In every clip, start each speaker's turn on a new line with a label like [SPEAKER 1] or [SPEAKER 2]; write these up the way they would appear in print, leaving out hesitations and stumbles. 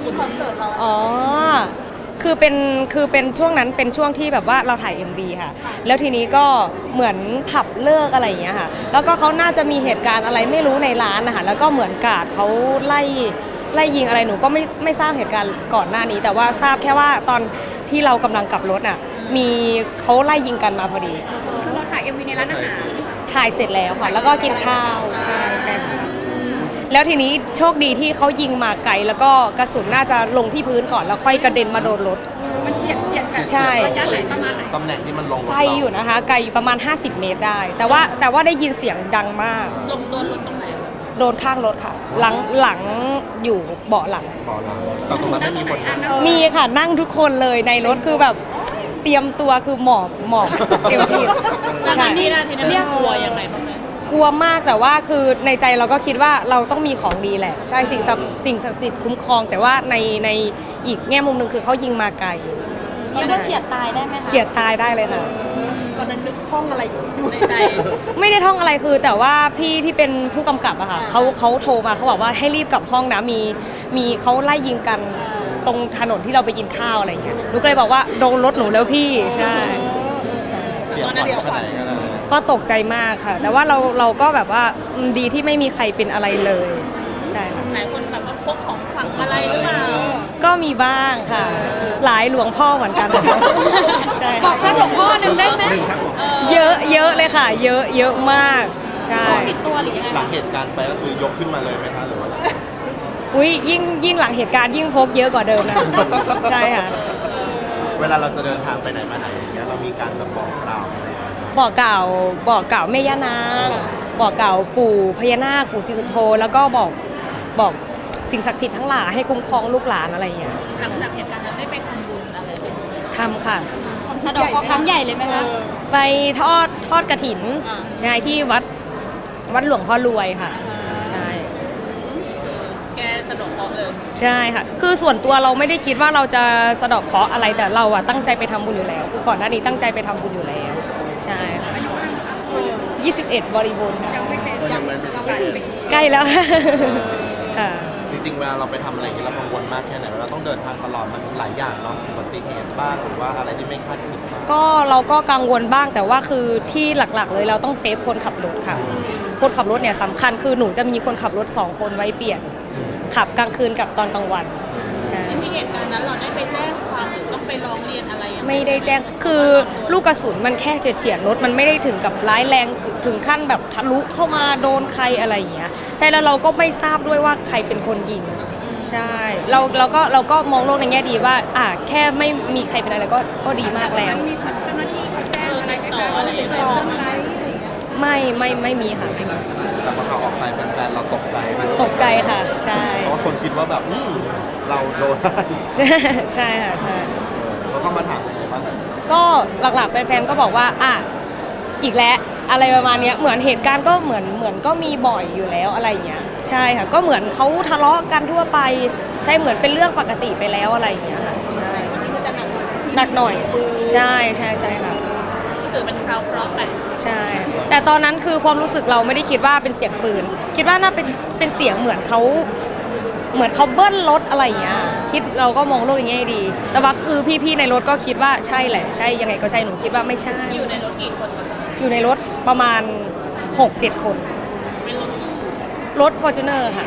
[SPEAKER 1] คอนเสิร์ตเรา
[SPEAKER 2] อ๋อคือเป็นช่วงนั้นเป็นช่วงที่แบบว่าเราถ่าย MV ค่ะแล้วทีนี้ก็เหมือนผับเลิกอะไรอย่างเงี้ยค่ะแล้วก็เขาน่าจะมีเหตุการณ์อะไรไม่รู้ในร้านนะคะแล้วก็เหมือนกาดเขาไล่ยิงอะไรหนูก็ไม่ทราบเหตุการณ์ก่อนหน้านี้ แต่ว่าทราบแค่ว่าตอนที่เรากำลังกลับรถน่ะมีเขาไล่ยิงกันมาพอดี
[SPEAKER 1] คือเราถ่าย MV ในร้านอาหาร
[SPEAKER 2] ถ่ายเสร็จแล้วค่ะแล้วก็กินข้าวใช่ค่ะแล้วทีนี้โชคดีที่เขายิงมาไกลแล้วก็กระสุนน่าจะลงที่พื้นก่อนแล้วค่อยกระเด็นมาโดนรถ
[SPEAKER 1] มันเฉียดกัน
[SPEAKER 2] ใช่
[SPEAKER 1] ระยะไหนประมาณไหน
[SPEAKER 3] ตำแหน่งที่มันลง
[SPEAKER 2] ไกลอยู่นะคะไกลอยู่ประมาณ50 เมตรได้แต่ว่าได้ยินเสียงดังมาก
[SPEAKER 1] ลงโดนรถตรงไหน
[SPEAKER 2] โดนข้างรถค่ะหลังอยู่เบาะหลัง
[SPEAKER 3] บ่อหลังแต่ตรงนั้นไม่มีคนนั่ง
[SPEAKER 2] มีค่ะนั่งทุกคนเลยในรถคือแบบเตรียมตัวคือหมอบเตรียมที่
[SPEAKER 1] ใช่ทีนั้นเรียกกลัวยังไงบ้างไหม
[SPEAKER 2] กลัวมากแต่ว่าคือในใจเราก็คิดว่าเราต้องมีของดีแหละใช่สิ่งศักดิ์สิทธิ์คุ้มครองแต่ว่าในอีกแง่มุมหนึ่งคือเขายิงมาไกล
[SPEAKER 4] แล้วก็เฉียดตายได้ไหมคะ
[SPEAKER 2] เฉียดตายได้เลยค่ะ
[SPEAKER 1] ตอนนั้นนึกท่องอะไรอยู่ในใจ
[SPEAKER 2] ไม่ได้ท่องอะไรคือแต่ว่าพี่ที่เป็นผู้กำกับอะค่ะเขาโทรมาเขาบอกว่าให้รีบกลับห้องนะมีเขาไล่ยิงกันตรงถนนที่เราไปกินข้าวอะไรอย่างเงี้ยหนูก็เลยบอกว่าโดนรถหนูแล้วพี่ใช่
[SPEAKER 3] เสียขวัญขนาดไหนกัน
[SPEAKER 2] ก็ตกใจมากค่ะแต่ว่าเราก็แบบว่าดีที่ไม่มีใครเป็นอะไรเลยใช่ค่ะ
[SPEAKER 1] หลายคนแบบว่าพกของขลังอะไรหรือเปล่า
[SPEAKER 2] ก็มีบ้างค่ะหลายหลวงพ่อเหมือนกันใช่
[SPEAKER 4] บอกสักหลวงพ่อหนึ่งได้ไหม
[SPEAKER 2] เยอะเลยค่ะเยอะมากใช่
[SPEAKER 4] ติดตัวหรือยังไง
[SPEAKER 3] หลังเหตุการณ์ไปก็คือยกขึ้นมาเลยไหมคะหรือว่า
[SPEAKER 2] อุ้ยยิ่งหลังเหตุการณ์ยิ่งพกเยอะกว่าเดิมนะใช่ค่ะ
[SPEAKER 3] เวลาเราจะเดินทางไปไหนมาไหนอย่างเงี้ยเรามีการแบบบอกกล่าวอะไร
[SPEAKER 2] บอกกล่าวแม่ย่านางบอกกล่าวปู่พญานาคปู่ศรีสุโธแล้วก็บอกสิ่งศักดิ์สิทธิ์ทั้งหลายให้คุ้มครองลูกหลานอะไรอย่างเงี้ย
[SPEAKER 1] หลังจากเหตุการณ์นั้นได้ไปทำบุญอะไร
[SPEAKER 2] ทำค่ะ
[SPEAKER 4] สะดอกเคราะห์ครั้งใหญ่เลยไหมคะ
[SPEAKER 2] ไปทอดกฐินใช่ที่วัดหลวงพ่อรวยค่ะใช่
[SPEAKER 1] แกสะดอกเคราะห์เลย
[SPEAKER 2] ใช่ค่ะคือส่วนตัวเราไม่ได้คิดว่าเราจะสะดอกเคราะห์อะไรแต่เราอะตั้งใจไปทำบุญอยู่แล้วคือก่อนหน้านี้ตั้งใจไปทำบุญอยู่แล้วใช่ค่ะ21 บริบูรณ์ค่ะใกล้แล้วค่ะ
[SPEAKER 3] จริงๆเวลาเราไปทำอะไรอย่างนี้เรากังวลมากแค่ไหนเราต้องเดินทางตลอดมันหลายอย่างเนาะอุบัติเหตุบ้างหรือว่าอะไรที่ไม่คาดคิดบ้าง
[SPEAKER 2] ก็เราก็กังวลบ้างแต่ว่าคือที่หลักๆเลยเราต้องเซฟคนขับรถค่ะคนขับรถเนี่ยสำคัญคือหนูจะมีคนขับรถ2 คนไว้เปลี่ยนขับกลางคืนกับตอนกลางวันใช่
[SPEAKER 1] ที่เหตุการณ์นั้นเราได้ไปแจ้งความหรือต้องไปร้องเรียนอะไร
[SPEAKER 2] ไม่ได้แจ้งคือลูกกระสุนมันแค่เฉียดรถมันไม่ได้ถึงกับร้ายแรงถึงขั้นแบบทะลุเข้ามาโดนใครอะไรอย่างเงี้ยใช่แล้วเราก็ไม่ทราบด้วยว่าใครเป็นคนยิงใช่เราก็มองโลกในแง่ดีว่าแค่ไม่มีใครเป็นอะไรก็ดีมากแล้ว
[SPEAKER 1] มีเจ้าหน้าที่เขาแจ้งติดต่ออะไรอย่างเงี้ย
[SPEAKER 2] ไม่มีค่ะไม่มี
[SPEAKER 3] แต่พอเขาออกไปแฟนๆเราตกใจไหม
[SPEAKER 2] ตกใจค่ะใช่
[SPEAKER 3] เพราะว่าคนคิดว่าแบบเราโดน
[SPEAKER 2] ใช่ค่ะใช่
[SPEAKER 3] เขาเข้ามาถามยังไงบ้าง
[SPEAKER 2] ก็หลักๆแฟนๆก็บอกว่าอีกแล้วอะไรประมาณนี้เหมือนเหตุการณ์ก็เหมือนก็มีบ่อยอยู่แล้วอะไรอย่างเงี้ยใช่ค่ะก็เหมือนเขาทะเลาะกันทั่วไปใช่เหมือนเป็นเรื่องปกติไปแล้วอะไรอย่างเงี้ยค่ะใช่หนักหน่อยใช่ค่ะ
[SPEAKER 1] ถือเป็นคราวเคราะห์ไป
[SPEAKER 2] ใช่แต่ตอนนั้นคือความรู้สึกเราไม่ได้คิดว่าเป็นเสียงปืนคิดว่าน่าเป็นเสียงเหมือนเขาเบิ้ลรถอะไรอย่างเงี้ยคิดเราก็มองโลกอย่างนี้ดีแต่ว่าคือพี่ๆในรถก็คิดว่าใช่แหละใช่ยังไงก็ใช่หนูคิดว่าไม่ใช่
[SPEAKER 1] อยู่ในรถกี่คน
[SPEAKER 2] อยู่ในรถประมาณ 6-7 คน
[SPEAKER 1] เป็น
[SPEAKER 2] รถ Fortuner ค่ะ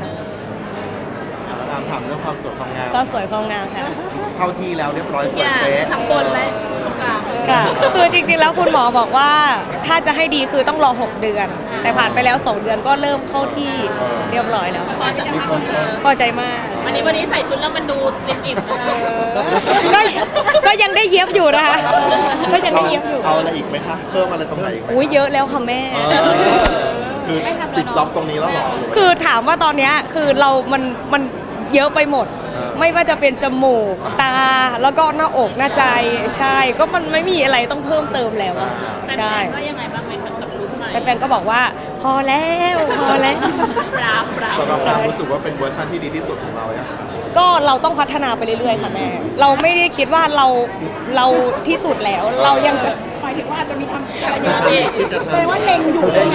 [SPEAKER 3] ถามเรื่องความสวยความงาม
[SPEAKER 2] ก็สวยความงามค่ะ
[SPEAKER 3] เข้าที่แล้วเรียบร้อยสวยเป๊ะ
[SPEAKER 1] ทั้งบนและตรงกลาง
[SPEAKER 2] ค่ะคือจริงๆแล้วคุณหมอบอกว่าถ้าจะให้ดีคือต้องรอ6 เดือนแต่ผ่านไปแล้ว2 เดือนก็เริ่มเข้าที่เรียบร้อยแล้วพอใจมาก
[SPEAKER 1] วันนี้ใส่ชุดแล้วมันดูอิ่มๆนะคะ
[SPEAKER 2] ก็ยังได้เย็บอยู่นะคะก็ยังได้เย็บอยู่
[SPEAKER 3] เอาอะไรอีกไหมคะเพิ่มอะไรตรงไหนอีกไหม
[SPEAKER 2] เยอะแล้วค่ะแม่
[SPEAKER 3] คือปิดจ็อบตรงนี้แล้วหรอ
[SPEAKER 2] คือถามว่าตอนนี้คือเรามันเยอะไปหมดไม่ว่าจะเป็นจมูกตาแล้วก็หน้าอกหน้าใจใช่ก็มันไม่มีอะไรต้องเพิ่มเติมแล้วใช่
[SPEAKER 1] ก็ยังไงบ้างไหมกับรุ่นใหม่
[SPEAKER 2] แฟนๆก็บอกว่าพอแล้ว
[SPEAKER 1] ปรา
[SPEAKER 3] สำหรับเรารู้สึกว่าเป็นเวอร์ชันที่ดีที่สุดของเราเนี่ย
[SPEAKER 2] ก็เราต้องพัฒนาไปเรื่อยๆค่ะแม่เราไม่ได้คิดว่าเราที่สุดแล้วเรายังจะหมายถึงว่าจะมีทำแปลว่าเล็งอยู่ใช่ไหม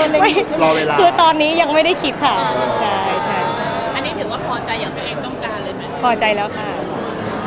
[SPEAKER 2] รอเวลาคือตอนนี้ยังไม่ได้คิดค่ะใช่
[SPEAKER 1] อันนี้ถือว่าพอใจอย่างตัวเองต้องการเลย
[SPEAKER 2] พอใจแล้วค่ะ